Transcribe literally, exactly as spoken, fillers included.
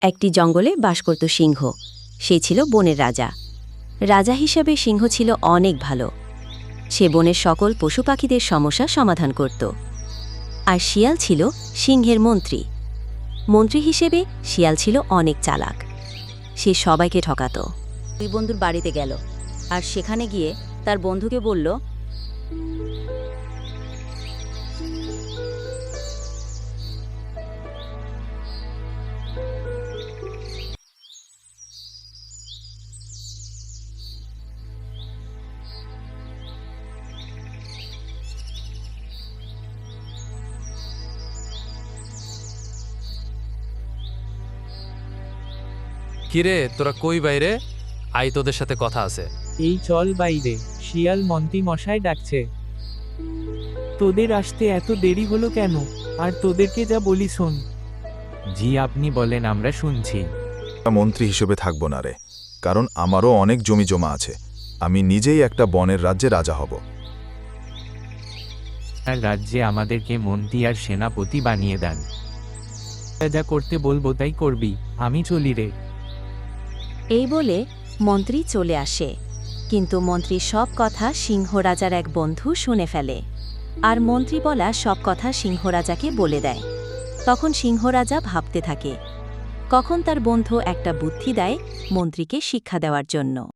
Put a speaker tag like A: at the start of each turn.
A: একটি জঙ্গলে বাস করত সিংহ। সে ছিল বনের রাজা। রাজা হিসাবে সিংহ ছিল অনেক ভালো। সে বনের সকল পশু পাখিদের সমস্যা সমাধান করত। আর শিয়াল ছিল সিংহের মন্ত্রী। মন্ত্রী হিসেবে শিয়াল ছিল অনেক চালাক। সে সবাইকে ঠকাত। দুই বন্ধুর বাড়িতে গেল আর সেখানে গিয়ে তার বন্ধুকে বলল,
B: কিরে, তোরা কই বাইরে? আই, তোদের সাথে কথা আছে।
C: এই চল বাইরে, শিয়াল মন্ত্রী মশাই ডাকছে। তোদের আসতে এত দেরি হলো কেন? আর তোদেরকে যা বলি শোন। জি আপনি বলেন, আমরা শুনছি।
D: মন্ত্রী হিসেবে থাকব না রে, কারণ আমারও অনেক জমি জমা আছে। আমি নিজেই একটা বনের রাজ্যে রাজা হব।
C: আর রাজ্যে আমাদেরকে মন্ত্রী আর সেনাপতি বানিয়ে দেন। যা করতে বলবো তাই করবি, আমি চলি রে।
A: এই বলে মন্ত্রী চলে আসে। কিন্তু মন্ত্রীর সব কথা সিংহ রাজার এক বন্ধু শুনে ফেলে। আর মন্ত্রী বলা সব কথা সিংহ রাজাকে বলে দেয়। তখন সিংহ রাজা ভাবতে থাকে, কখন তার বন্ধু একটা বুদ্ধি দেয় মন্ত্রীকে শিক্ষা দেওয়ার জন্য।